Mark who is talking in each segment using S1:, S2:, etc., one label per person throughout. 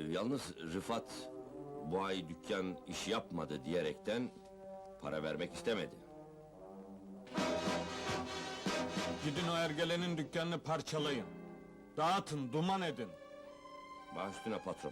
S1: Yalnız Rıfat bu ay dükkan iş yapmadı diyerekten para vermek istemedi.
S2: Gidin o ergelenin dükkanını parçalayın. Dağıtın, duman edin.
S1: Baş üstüne patron.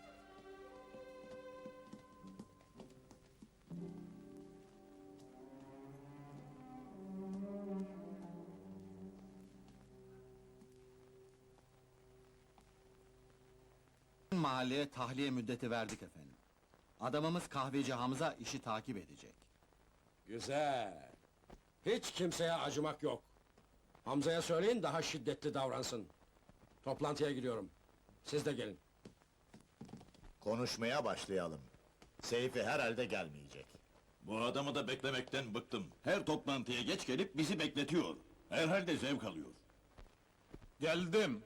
S3: Mahalleye tahliye müddeti verdik efendim. Adamımız kahveci Hamza işi takip edecek.
S4: Güzel. Hiç kimseye acımak yok. Hamza'ya söyleyin daha şiddetli davransın. Toplantıya gidiyorum. Siz de gelin.
S5: Konuşmaya başlayalım. Seyfi herhalde gelmeyecek.
S6: Bu adamı da beklemekten bıktım. Her toplantıya geç gelip bizi bekletiyor. Herhalde zevk alıyor.
S2: Geldim.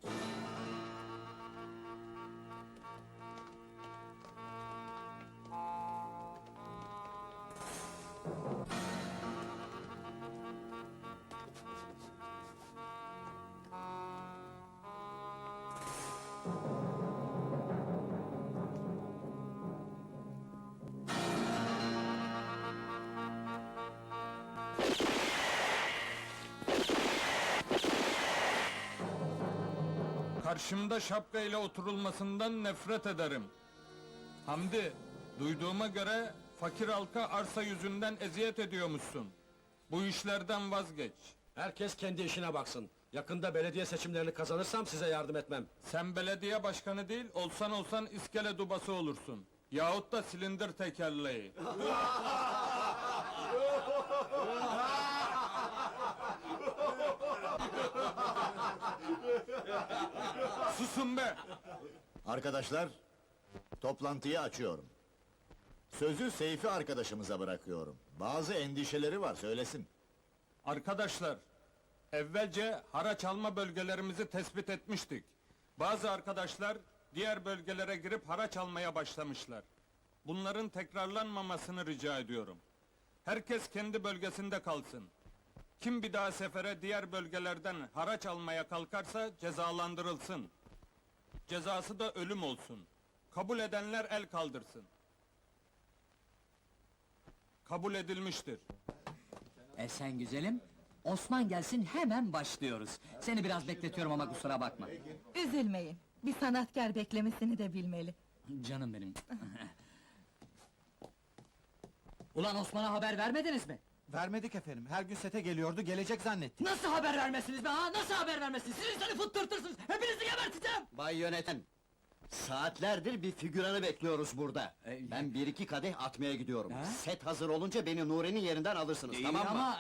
S2: Karşımda şapkayla oturulmasından nefret ederim. Hamdi, duyduğuma göre fakir halka arsa yüzünden eziyet ediyormuşsun. Bu işlerden vazgeç.
S4: Herkes kendi işine baksın. Yakında belediye seçimlerini kazanırsam size yardım etmem.
S2: Sen belediye başkanı değil, olsan iskele dubası olursun. Yahut da silindir tekerleği. Susun be!
S5: Arkadaşlar, toplantıyı açıyorum. Sözü Seyfi arkadaşımıza bırakıyorum. Bazı endişeleri var, söylesin.
S2: Arkadaşlar, evvelce haraç alma bölgelerimizi tespit etmiştik. Bazı arkadaşlar diğer bölgelere girip haraç almaya başlamışlar. Bunların tekrarlanmamasını rica ediyorum. Herkes kendi bölgesinde kalsın. Kim bir daha sefere diğer bölgelerden haraç almaya kalkarsa cezalandırılsın. Cezası da ölüm olsun. Kabul edenler el kaldırsın. Kabul edilmiştir.
S7: Sen güzelim, Osman gelsin hemen başlıyoruz. Seni biraz bekletiyorum ama kusura bakma.
S8: Üzülmeyin, bir sanatkar beklemesini de bilmeli.
S7: Canım benim. Ulan Osman'a haber vermediniz mi?
S3: Vermedik efendim, her gün sete geliyordu, gelecek zannettik.
S7: Nasıl haber vermezsiniz be ha? Nasıl haber vermezsiniz? Siz insanı fıttırtırsınız! Hepinizi geberteceğim!
S3: Bay yöneten, saatlerdir bir figüranı bekliyoruz burada. Ben bir iki kadeh atmaya gidiyorum.
S7: Ha?
S3: Set hazır olunca beni Nuri'nin yerinden alırsınız, tamam mı?
S7: Ama...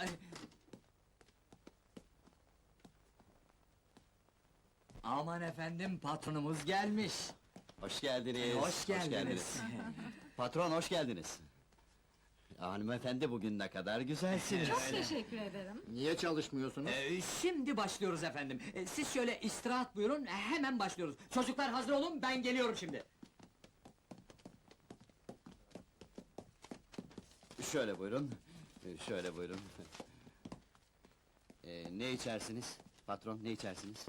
S7: Aman efendim, patronumuz gelmiş.
S3: Hoş geldiniz.
S7: Hoş geldiniz.
S3: Patron, hoş geldiniz. Hanımefendi bugün ne kadar güzelsiniz.
S8: Çok teşekkür ederim.
S5: Niye çalışmıyorsunuz?
S7: Şimdi başlıyoruz efendim. Siz şöyle istirahat buyurun, hemen başlıyoruz. Çocuklar hazır olun, ben geliyorum şimdi.
S3: Şöyle buyurun, şöyle buyurun. Ne içersiniz? Patron, ne içersiniz?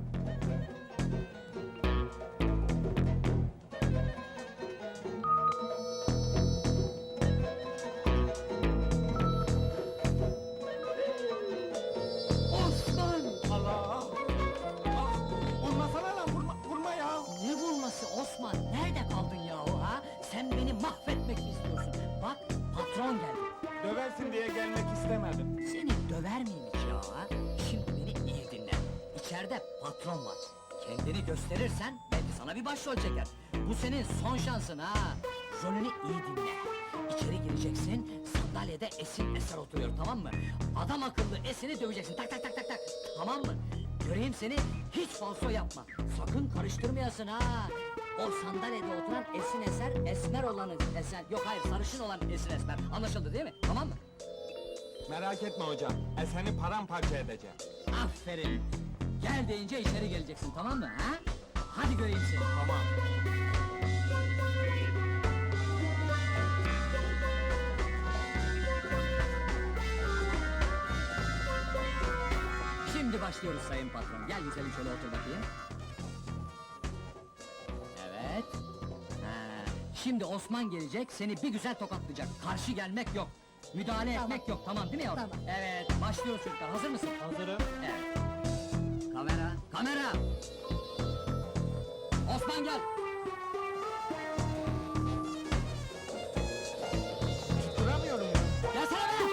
S7: Osman!
S2: Allah! Vurmasana lan, vurma ya!
S7: Ne vurması Osman? Nerede kaldın yahu ha? Sen beni mahvetmek mi istiyorsun? Bak, patron geldi.
S2: Döversin diye gelmek istemedim.
S7: Seni döver miyim hiç ya ha? Şimdi beni iyi dinle. İçeride patron var. Kendini gösterirsen belki sana bir başrol çeker. Bu senin son şansın ha. Rolünü iyi dinle. İçeri gireceksin, sandalyede Esin Eser oturuyor, tamam mı? Adam akıllı Esin'i döveceksin, tak tak tak tak tak. Tamam mı? Göreyim seni, hiç falso yapma. Sakın karıştırmayasın ha. O sandalyede oturan Esin Eser, esmer olanı Eser... Yok hayır, sarışın olan Esin Esmer. Anlaşıldı değil mi? Tamam mı?
S2: Merak etme hocam, seni paramparça edeceğim.
S7: Aferin! Gel deyince içeri geleceksin, tamam mı ha? Hadi göreyim seni.
S2: Tamam.
S7: Şimdi başlıyoruz sayın patron. Gel güzelim şöyle otur bakayım. Evet. Şimdi Osman gelecek, seni bir güzel tokatlayacak. Karşı gelmek yok. Müdahale etmek yok, tamam değil mi yavrum?
S8: Tamam.
S7: Evet, başlıyoruz çocuklar. Hazır mısın? Hazırım. Evet. Kamera, kamera! Osman gel!
S2: Duramıyorum ya.
S7: Gelsene be!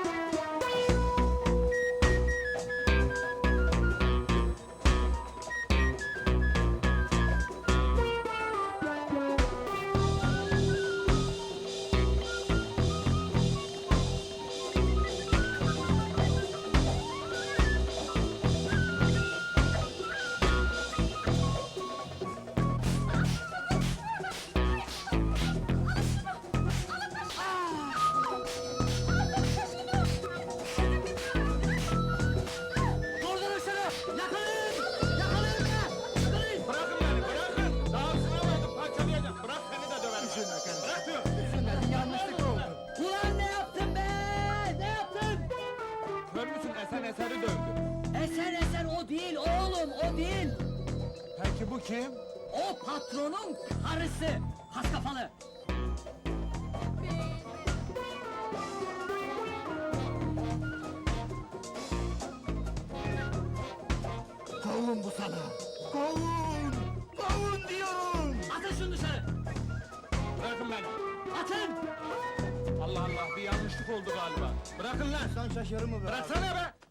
S7: Durdurun şunu! Yakalayın! Yakalayın be! Yakalayın!
S2: Bırakın beni, bırakın! Daha sınavaydım, parçalayacağım. Bırak seni de döverim. Bırak diyor.
S8: Yanlışlık oldu.
S7: Ulan ne yaptın be? Ne yaptın?
S2: Kör müsün? Esen Eser'i dövdü.
S7: Eser o değil oğlum, o değil!
S2: Peki bu kim?
S7: O patronun karısı! Has kafalı!
S5: Kovun bu sana! Kovun! Kovun diyorum!
S7: Atın şunu dışarı!
S2: Bırakın beni.
S7: Atın!
S2: Allah Allah, bir yanlışlık oldu galiba. Bırakın lan!
S5: Sen şaşırır mı be?
S2: Bıraksana be!